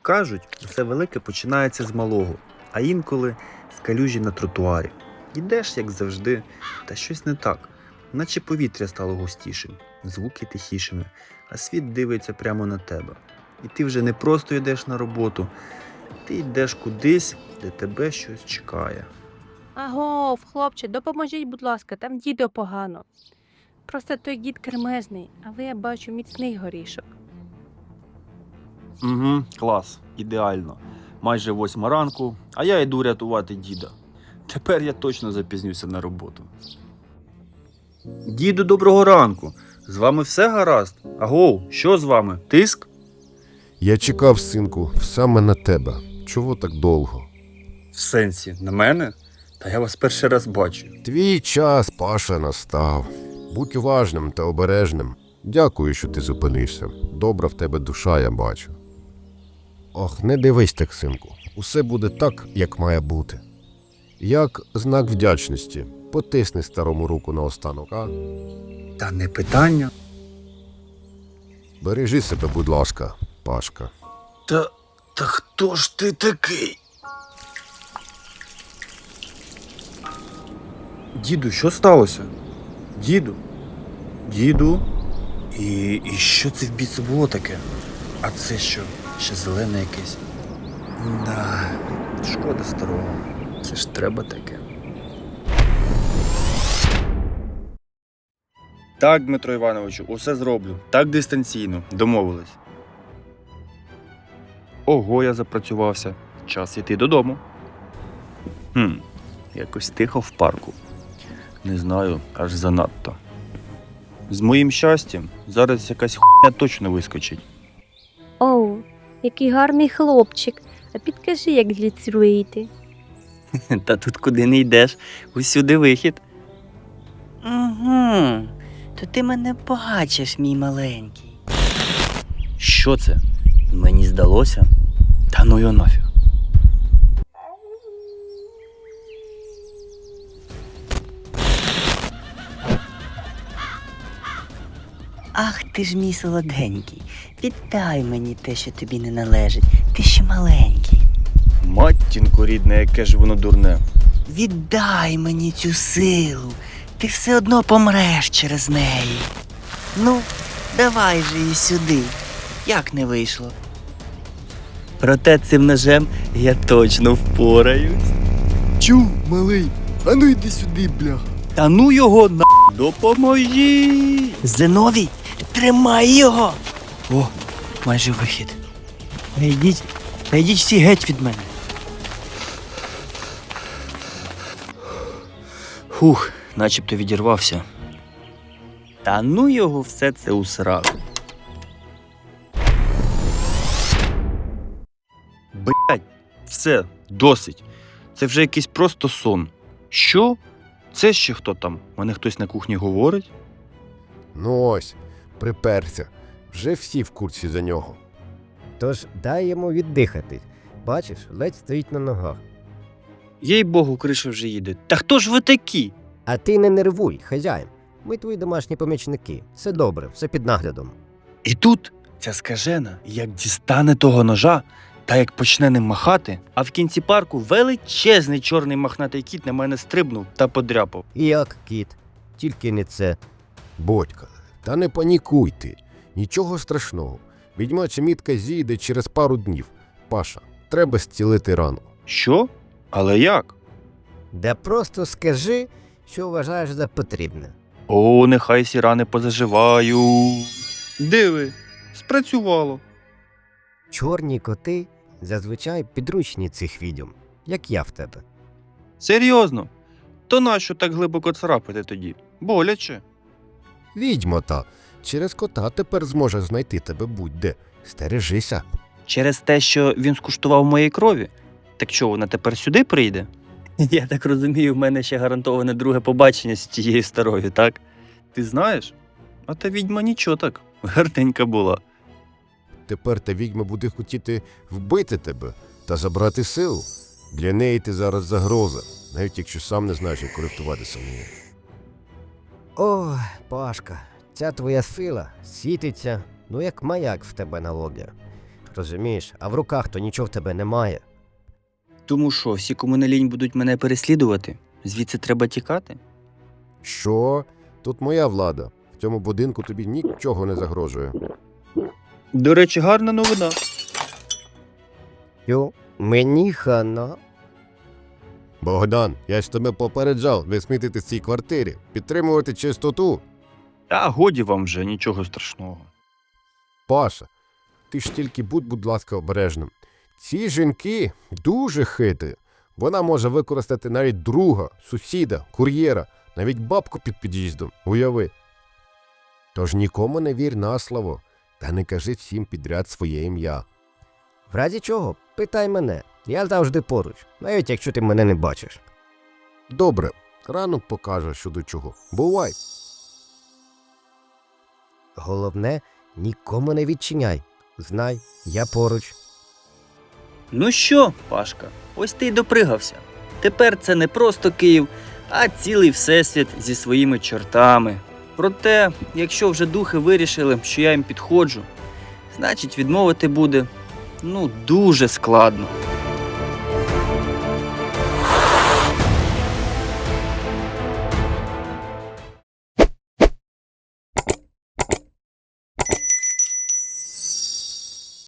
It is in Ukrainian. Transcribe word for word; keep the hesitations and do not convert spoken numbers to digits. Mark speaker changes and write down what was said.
Speaker 1: Кажуть, усе велике починається з малого, а інколи з калюжі на тротуарі. Йдеш, як завжди, та щось не так. Наче повітря стало густішим, звуки тихішими, а світ дивиться прямо на тебе. І ти вже не просто йдеш на роботу, ти йдеш кудись, де тебе щось чекає.
Speaker 2: Агов, хлопче, допоможіть, будь ласка, там дідо погано. Просто той дід кремезний, а ви, я бачу, міцний горішок.
Speaker 1: Угу, клас, ідеально. Майже восьма ранку, а я йду рятувати діда. Тепер я точно запізнюся на роботу. Діду, доброго ранку. З вами все гаразд? Агов, що з вами? Тиск?
Speaker 3: Я чекав, синку, саме на тебе. Чого так довго?
Speaker 1: В сенсі, на мене? Та я вас перший раз бачу.
Speaker 3: Твій час, Паша, настав. Будь уважним та обережним. Дякую, що ти зупинився. Добра в тебе душа, я бачу. Ох, не дивись так, синку. Усе буде так, як має бути. Як знак вдячності. Потисни старому руку наостанок, а?
Speaker 1: Та не питання.
Speaker 3: Бережи себе, будь ласка, Пашка.
Speaker 1: Та, та хто ж ти такий? Діду, що сталося? Діду? Діду? І, і що це в біці було таке? А це що? Ще зелене якесь? Да, шкода старого. Це ж треба таке. Так, Дмитро Івановичу, усе зроблю. Так дистанційно. Домовились. Ого, я запрацювався. Час йти додому. Хм, якось тихо в парку. Не знаю, аж занадто. З моїм щастям зараз якась хуйня точно вискочить.
Speaker 2: Оу, який гарний хлопчик. А підкажи, як звідси вийти.
Speaker 4: Та тут куди не йдеш, усюди вихід. Угу, то ти мене бачиш, мій маленький. Що це? Мені здалося? Та ну його нафіг. Ах ти ж мій солоденький, віддай мені те, що тобі не належить, ти ще маленький.
Speaker 1: Матінко рідне, яке ж воно дурне.
Speaker 4: Віддай мені цю силу, ти все одно помреш через неї. Ну, давай же її сюди, як не вийшло. Проте цим ножем я точно впораюсь.
Speaker 3: Чу, малий, а ну йди сюди, бля.
Speaker 4: Та ну його на... Допоможі! Зиновій, тримай його! О, майже вихід. Та йдіть, та йдіть всі геть від мене. Фух, начебто відірвався. Та ну його все це у сраку.
Speaker 1: Блять, все, досить. Це вже якийсь просто сон. Що? Це ще хто там? Мене хтось на кухні говорить?
Speaker 3: Ну ось, приперся. Вже всі в курсі за нього.
Speaker 5: Тож дай йому віддихати. Бачиш, ледь стоїть на ногах.
Speaker 1: Їй богу, криша вже їде. Та хто ж ви такі?
Speaker 5: А ти не нервуй, хазяїн. Ми твої домашні помічники. Все добре, все під наглядом.
Speaker 1: І тут ця скажена, як дістане того ножа, та як почне ним махати, а в кінці парку величезний чорний мохнатий кіт на мене стрибнув та подряпав.
Speaker 5: І як, кіт? Тільки не це.
Speaker 3: Бодька, та не панікуй ти. Нічого страшного. Відьмача мітка зійде через пару днів. Паша, треба зцілити рану.
Speaker 1: Що? Але як?
Speaker 5: Да просто скажи, що вважаєш за потрібне.
Speaker 1: О, нехай сі рани позаживають. Диви, спрацювало.
Speaker 5: Чорні коти зазвичай підручні цих відьом, як я в тебе.
Speaker 1: Серйозно? То нащо так глибоко царапати тоді? Боляче.
Speaker 3: Відьма та, через кота тепер зможе знайти тебе будь-де. Стережися.
Speaker 4: Через те, що він скуштував моєї крові? Так що, вона тепер сюди прийде? Я так розумію, в мене ще гарантоване друге побачення з тією старою, так?
Speaker 1: Ти знаєш? А та відьма нічого так, гарненька була.
Speaker 3: Тепер та відьма буде хотіти вбити тебе та забрати силу. Для неї ти зараз загроза, навіть якщо сам не знаєш, як користуватися нею.
Speaker 5: О, Пашка, ця твоя сила світиться, ну як маяк в тебе на лобі. розумієш, а в руках то нічого в тебе немає.
Speaker 4: Тому що, всі, кому не лінь, будуть мене переслідувати? Звідси треба тікати?
Speaker 3: Що? Тут моя влада. В цьому будинку тобі нічого не загрожує.
Speaker 4: До речі, гарна новина.
Speaker 5: Йо, мені хана.
Speaker 3: Богдан, я ж тебе попереджав не смітити в цій квартирі, підтримувати чистоту.
Speaker 1: Та годі вам вже, нічого страшного.
Speaker 3: Паша, ти ж тільки будь, будь ласка, обережним. Ці жінки дуже хитрі. Вона може використати навіть друга, сусіда, кур'єра, навіть бабку під під'їздом, уяви. Тож нікому не вір на слово, та не кажи всім підряд своє ім'я.
Speaker 5: В разі чого, питай мене. Я завжди поруч, навіть якщо ти мене не бачиш.
Speaker 3: Добре, ранок покаже, що до чого. Бувай!
Speaker 5: Головне, нікому не відчиняй. Знай, я поруч.
Speaker 4: Ну що, Пашка, ось ти й допригався. Тепер це не просто Київ, а цілий всесвіт зі своїми чортами. Проте, якщо вже духи вирішили, що я їм підходжу, значить відмовити буде, ну, дуже складно.